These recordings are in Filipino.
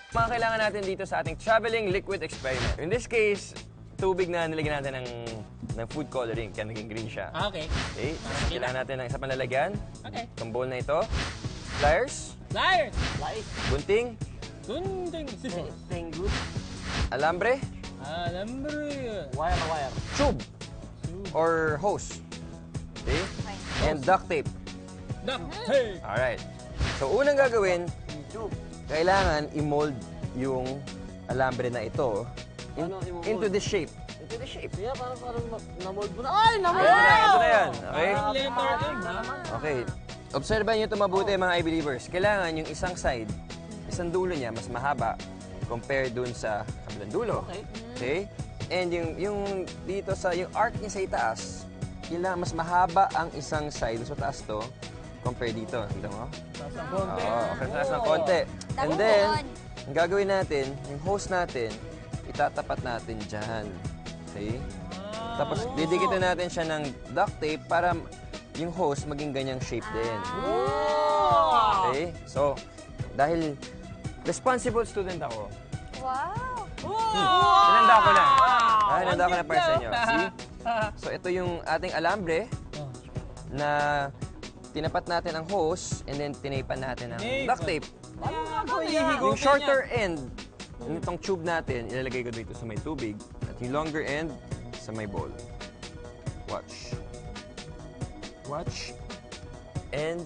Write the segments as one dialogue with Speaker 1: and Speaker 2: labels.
Speaker 1: Mga kailangan natin dito sa ating traveling liquid experiment. In this case, tubig na nilagyan natin ng food coloring, kaya naging green siya.
Speaker 2: Okay.
Speaker 1: Okay, kailangan natin ng isa pang lalagyan.
Speaker 2: Okay.
Speaker 1: Itong bowl na ito. Pliers,
Speaker 2: Liars!
Speaker 1: gunting,
Speaker 2: Gunting sisi.
Speaker 3: Tengut.
Speaker 1: alambre,
Speaker 2: Alambre.
Speaker 3: Wire.
Speaker 1: tube, or hose. Okay? And duct tape.
Speaker 2: Duct tape.
Speaker 1: Alright. So, unang gagawin, kailangan i-mold yung alambre na ito
Speaker 3: Ano i-mold?
Speaker 1: into the shape. Into the shape.
Speaker 3: Kaya parang na-mold mo na. Ay, na-mold!
Speaker 1: Ito na yan. Okay?
Speaker 2: Parang letter M, ha?
Speaker 1: Okay. Obserbahan nyo ito mabuti, mga I-believers. Kailangan yung isang side, isang dulo niya, mas mahaba compared dun sa kabilang dulo. Okay? And yung dito sa, yung arc niya sa itaas, kailangan mas mahaba ang isang side, sa taas to, compare dito. Kita mo? Oo, okay, taas ng konti. And then, ang gagawin natin, yung hose natin, itatapat natin dyan. Okay? Tapos, didikitin natin siya ng duct tape para yung hose maging ganyang shape din. Okay? So, dahil responsible student ako,
Speaker 4: Wow!
Speaker 1: hinanda ko na. Hinanda ko na para sa inyo. See? So, ito yung ating alambre na tinapat natin ang hose and then tinapan natin ang duct tape. Yung shorter end nitong tube natin, ilalagay ko dito sa may tubig at yung longer end sa may bowl. Watch. Watch. And...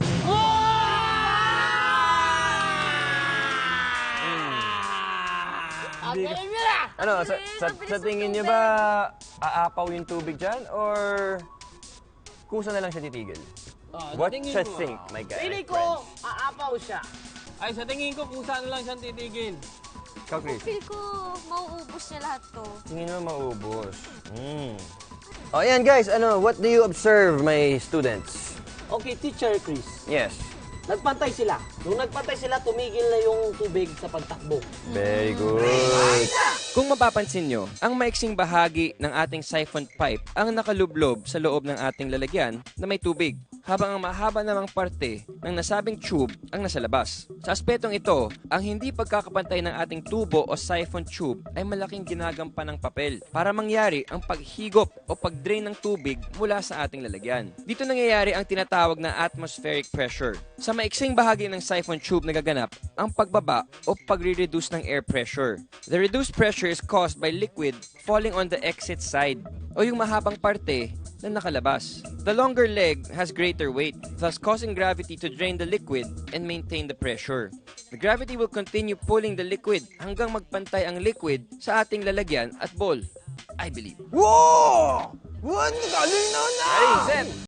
Speaker 1: Ano, sa tingin niyo ba aapaw yung tubig dyan or kusa na lang siya titigil? What you think, my guy?
Speaker 3: Pili ko, aapaw siya.
Speaker 2: Ay, sa tingin ko, kusa na lang siyang titigil.
Speaker 1: Ikaw, Chris.
Speaker 4: Feel ko mauubos niya lahat to.
Speaker 1: Tingin mo maubos. O, ayan guys, what do you observe, my students?
Speaker 3: Okay, Teacher Chris.
Speaker 1: Yes.
Speaker 3: Nagpantay sila. Nung nagpantay sila, tumigil na yung tubig sa pagtakbo.
Speaker 1: Very good. Kung mapapansin nyo, ang maiksing bahagi ng ating siphon pipe ang nakalublob sa loob ng ating lalagyan na may tubig, habang ang mahaba namang parte ng nasabing tube ang nasa labas. Sa aspetong ito, ang hindi pagkakapantay ng ating tubo o siphon tube ay malaking ginagampan ng papel para mangyari ang paghigop o pagdrain ng tubig mula sa ating lalagyan. Dito nangyayari ang tinatawag na atmospheric pressure. Sa maiksing bahagi ng siphon tube nagaganap ang pagbaba o pagre-reduce ng air pressure. The reduced pressure is caused by liquid falling on the exit side o yung mahabang parte na nakalabas. The longer leg has greater weight, thus causing gravity to drain the liquid and maintain the pressure. The gravity will continue pulling the liquid hanggang magpantay ang liquid sa ating lalagyan at bowl. I believe.
Speaker 3: Wow! Galing na!
Speaker 1: Hey, Zen!